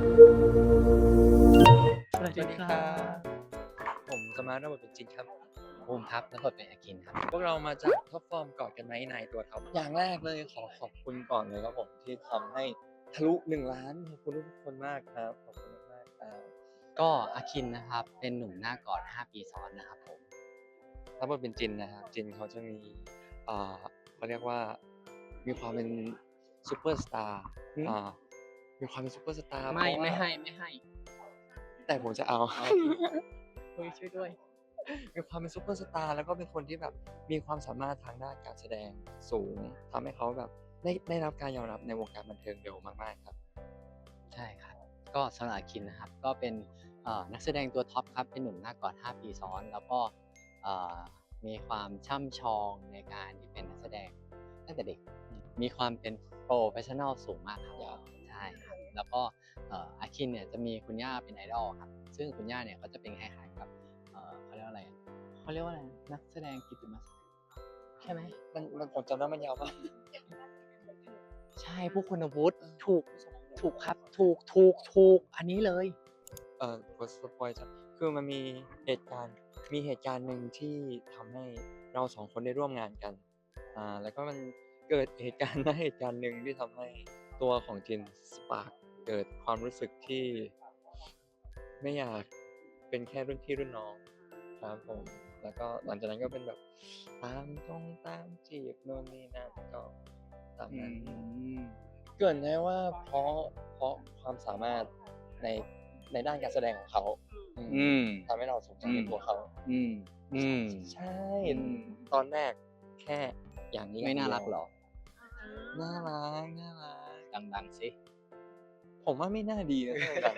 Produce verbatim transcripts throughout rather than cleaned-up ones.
สวัสดีครับผมสมาร์ทระบบเป็นจริงครับภูมิครับแล้วก็เป็นอาคินครับพวกเรามาจากท็อปฟอร์มกอดกันไหมในตัวท็อปอย่างแรกเลยขอขอบคุณก่อนเลยครับผมที่ทำให้ทะลุหนึ่งล้านขอบคุณทุกคนมากครับขอบคุณมากๆครับก็อาคินนะครับเป็นหนุ่มหน้ากอดห้าปีซ้อนนะครับผมรับบทเป็นจินนะครับจินเขาจะมีอ่าเขาเรียกว่ามีความเป็นซูเปอร์สตาร์อ่ามีความเป็นซูเปอร์สตาร์เพไม่ราะว่าไม่ให้ไม่ให้แต่ผมจะเอาเฮ้ยช่วยด้วยมีความเป็นซูเปอร์สตาร์แล้วก็เป็นคนที่แบบมีความสามารถทางด้านการแสดงสูงทำให้เขาแบบได้ได้รับการยอมรับในวงการบันเทิงเร็วมากๆครับใช่ครับก็สำหรับอาคินนะครับก็เป็นเอ่อนักแสดงตัวท็อปครับเป็นหนุ่มหน้ากอดห้าปีซ้อนแล้วก็เอ่อมีความช่ำชองในการที่เป็นนักแสดงตั้งแต่เด็กมีความเป็นโปรเฟชชั่นอลสูงมากครับใช่ครับแล้วก็เอ่ออาคินเนี่ยจะมีคุณย่าเป็นไอดอลครับซึ่งคุณย่าเนี่ยเขาจะเป็นคล้ายๆกับเอ่อเขาเรียกว่าอะไรเขาเรียกว่าอะไรนักแสดงกิตติมศักดิ์ใช่ไหมมันมันผมจำได้มันยาวมากใช่ผู้คุณวุฒิถูกถูกครับถูกถูกถูกอันนี้เลยเอ่อขอสปอยล์จ้ะคือมันมีเหตุการณ์มีเหตุการณ์หนึ่งที่ทำให้เราสองคนได้ร่วมงานกันอ่าแล้วก็มันเกิดเหตุการณ์ ณเหตุการณ์หนึ่งที่ทำให้ตัวของจินสปาร์กเกิดความรู้สึกที่ไม่อยากเป็นแค่รุ่นพี่รุ่นน้องครับผมแล้วก็หลังจากนั้นก็เป็นแบบตามตรงตามจีบโน่นนี่นั่นก็ตามอืนั้นมเกริ่นได้ว่าเพราะเพราะความสามารถในในด้านการแสดงของเขาอืมอืมทำให้เราสนใจในอืมตัวเขาอืมอืมใช่อืมตอนแรกแค่อย่างนี้ไม่น่าอย่รังกเดียวหรอน่ารักน่ารักดังๆสิผมว่าไม่น่าดีนะถ้าดัง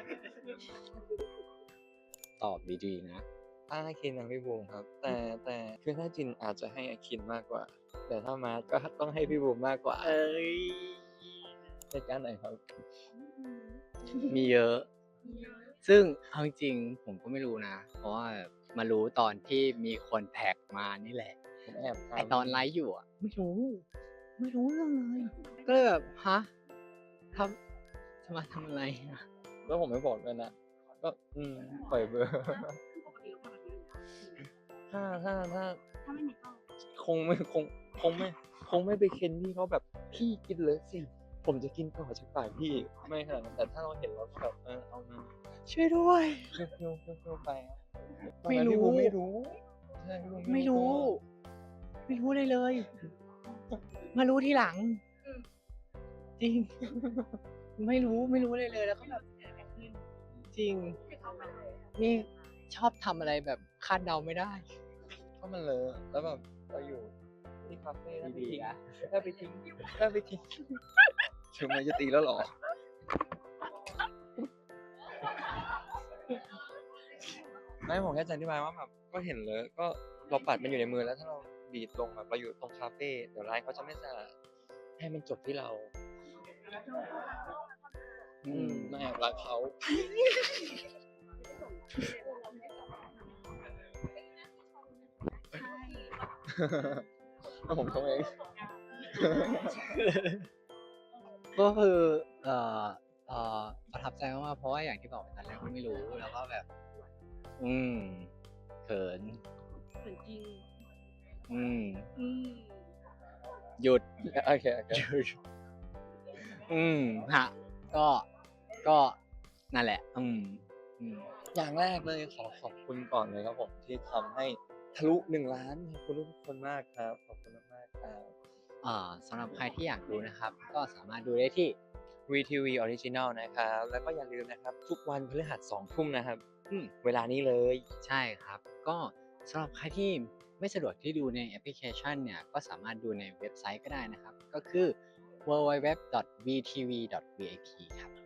ตอบดีๆนะถ้าอาคินกับพี่บูมครับ แต่แต่คือถ้าจินอาจจะให้อาคินมากกว่า แต่ถ้ามาร์ทก็ต้องให้พี่บูมมากกว่าเอ้ยเหตุการณ์ไหนครับมีเยอะ ซึ่งเอาจริงๆผมก็ไม่รู้นะ เพราะว่ามารู้ตอนที่มีคนแท็กมานี่แหละผมแอบทำไอตอนไลฟ์อยู่อ่ะ ไม่รู้ ไม่รู้เรื่องเลย ก็เลยแบบฮะทำจะมาทำอะไรอะแล้วผมไม่บอกด้วยนะ ก็อืมปล่อยเบอร์ ถ้าถ้าถ้าคงไม่คงคงไม่คงไม่ไปเค้นพี่เขาแบบพี่กินเลยสิ ผมจะกินต่อจากปากพี่ไม่ขนาดนั้นแต่ถ้าเราเห็นเราก็แบบเออเอามาช่วยด้วยเคี้ยวเคี้ยวเคี้ยวเคี้ยวไปครับไม่รู้ตอนนั้นพี่บูมไม่รู้ใช่พี่บูมไม่รู้ ไม่รู้เลยเลย มารู้ทีหลัง จริง ไม่รู้ไม่รู้เลยเลยแล้วก็แบบจริง นี่ชอบทำอะไรแบบคาดเดาไม่ได้ก็มันเลยแล้วแบบเราอยู่ที่คาเฟ่แล้วไปดีทิ้งๆนะแล้วไปทิ้งแล้วไปทิ้งถึงมันจะตีแล้วเหรอ ไม่ผมแค่จะอธิบายว่าแบบก็เห็นเลยก็เราปัดมันอยู่ในมือแล้วถ้าเราดีดลงแบบเราอยู่ตรงคาเฟ่เดี๋ยวร้านเขาจะไม่สะอาดให้มันจบที่เรา อืมมาแอบรักเขา แล้วผมทำเองก็คือเอ่อเอ่อประทับใจมากๆเพราะว่าอย่างที่บอกไปตอนแรกก็ไม่รู้แล้วก็แบบ อืมเขินเหมือนจริงอืมอืมหยุดโอเคโอเคหยุด อืมฮะ ก็ก็นั่นแหละ อืม อืมอย่างแรกเลยขอขอบคุณก่อนเลยครับผมที่ทำให้ทะลุหนึ่งล้านขอบคุณทุกคนมากครับขอบคุณมากๆครับอ่าสำหรับใครที่อยากดูนะครับ ก็สามารถดูได้ที่วี ที วี Original นะครับ แล้วก็อย่าลืมนะครับ ทุกวันพฤหัสสองทุ่มนะครับอืมเวลานี้เลยใช่ครับ ก็สำหรับใครที่ไม่สะดวกที่ดูในแอปพลิเคชันเนี่ย ก็สามารถดูในเว็บไซต์ก็ได้นะครับ ก็คือ ดับเบิลยู ดับเบิลยู ดับเบิลยู ดอท วี ที วี ดอท วี ไอ พี ครับ